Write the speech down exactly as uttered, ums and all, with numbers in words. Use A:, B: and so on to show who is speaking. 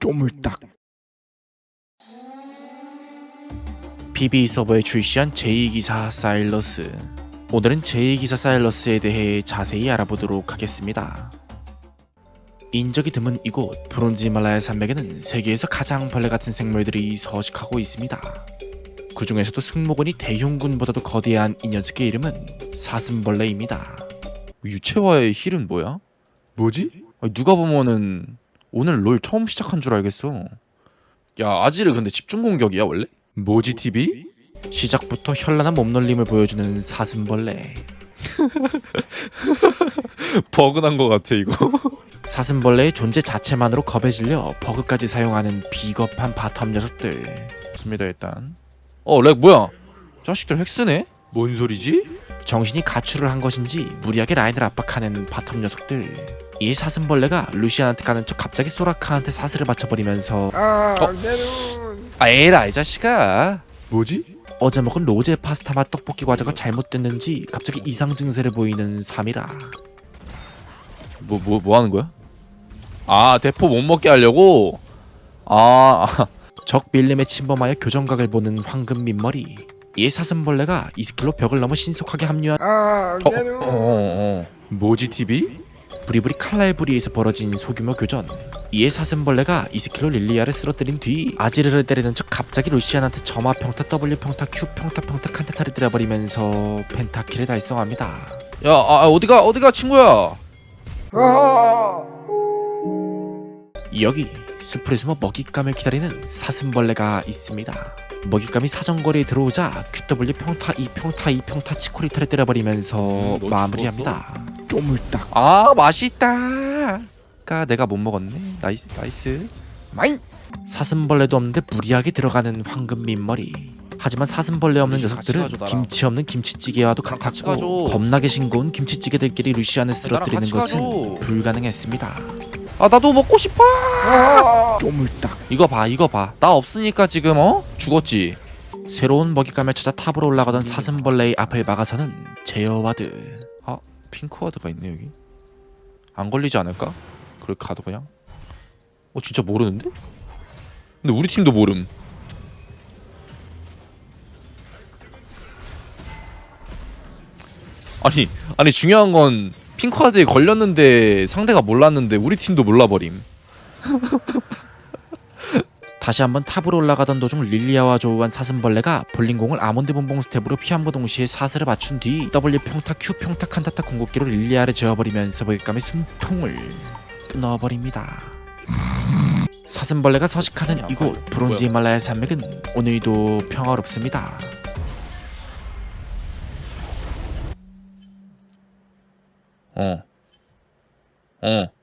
A: 쪼물딱.
B: 피비 서버에 출시한 제이 기사 사일러스. 오늘은 제이 기사 사일러스에 대해 자세히 알아보도록 하겠습니다. 인적이 드문 이곳 브론즈 히말라야 산맥에는 세계에서 가장 벌레 같은 생물들이 서식하고 있습니다. 그 중에서도 승모근이 대흉군보다도 거대한 이 녀석의 이름은 사슴벌레입니다. 유채화의 힐은 뭐야?
A: 뭐지?
B: 아니, 누가 보면은 오늘 롤 처음 시작한 줄 알겠어. 야, 아지르 근데 집중 공격이야 원래?
A: 뭐지 티비?
B: 시작부터 현란한 몸놀림을 보여주는 사슴벌레.
A: 버그난 거 같아 이거.
B: 사슴벌레의 존재 자체만으로 겁에 질려 버그까지 사용하는 비겁한 바텀 녀석들. 좋습니다 일단. 어, 렉 뭐야? 자식들 핵쓰네?
A: 뭔 소리지?
B: 정신이 가출을 한 것인지 무리하게 라인을 압박하는 바텀 녀석들. 이 사슴벌레가 루시안한테 가는 척 갑자기 소라카한테 사슬을 맞춰버리면서
C: 아,
B: 어?
C: 내 눈.
B: 아 에라 이 자식아.
A: 뭐지?
B: 어제 먹은 로제 파스타 맛 떡볶이 과자가 잘못됐는지 갑자기 이상 증세를 보이는 삼이라.
A: 뭐 뭐 뭐 하는 거야? 아 대포 못 먹게 하려고? 아, 아.
B: 적 밀림에 침범하여 교정각을 보는 황금 민머리. 이 사슴벌레가 이 스킬로 벽을 넘어 신속하게 합류한
C: 아,
B: 어,
C: 내 눈.
A: 어, 어. 뭐지 티비?
B: 부리부리 칼날부리에서 벌어진 소규모 교전. 이에 사슴벌레가 이 스킬로 릴리아를 쓰러뜨린 뒤 아지르를 때리는 척 갑자기 루시안한테 점화 평타 W 평타 Q 평타 평타 칸테타를 때려버리면서 펜타킬을 달성합니다.
A: 야, 아, 어디가 어디가 친구야?
C: 아,
B: 여기 숲에 숨어 먹잇감을 기다리는 사슴벌레가 있습니다. 먹잇감이 사정거리에 들어오자 큐더블유 평타 이 평타 이 평타 치코리타를 때려버리면서
A: 음, 너
B: 마무리합니다.
A: 쪼물딱.
B: 아 맛있다. 까 내가 못 먹었네. 나이스 나이스. 마인. 사슴벌레도 없는데 무리하게 들어가는 황금 민머리. 하지만 사슴벌레 없는
A: 같이
B: 녀석들은
A: 가줘, 나랑.
B: 김치 없는 김치찌개와도
A: 나랑 같이
B: 같았고
A: 가줘.
B: 겁나게 싱거운 김치찌개들끼리 루시안을 쓰러뜨리는
A: 같이
B: 것은
A: 가줘.
B: 불가능했습니다.
A: 아 나도 먹고 싶어.
C: 아,
A: 쪼물딱. 이거 봐 이거 봐. 나 없으니까 지금 어? 죽었지.
B: 새로운 먹잇감을 찾아 탑으로 올라가던 사슴벌레의 앞을 막아서는 제어와드.
A: 아 핑크와드가 있네 여기. 안 걸리지 않을까? 그걸 가도 그냥. 어 진짜 모르는데? 근데 우리 팀도 모름. 아니 아니 중요한 건 핑크와드에 걸렸는데 상대가 몰랐는데 우리 팀도 몰라버림.
B: 다시 한번 탑으로 올라가던 도중 릴리아와 조우한 사슴벌레가 볼링공을 아몬드 본봉 스텝으로 피한부 동시에 사슬을 맞춘 뒤 W 평타 Q 평타 칸타타 궁극기로 릴리아를 재워버리면서 먹잇감의 숨통을 끊어버립니다. 사슴벌레가 서식하는 이곳 브론즈 히말라야 산맥은 오늘도 평화롭습니다.
A: 어. 어.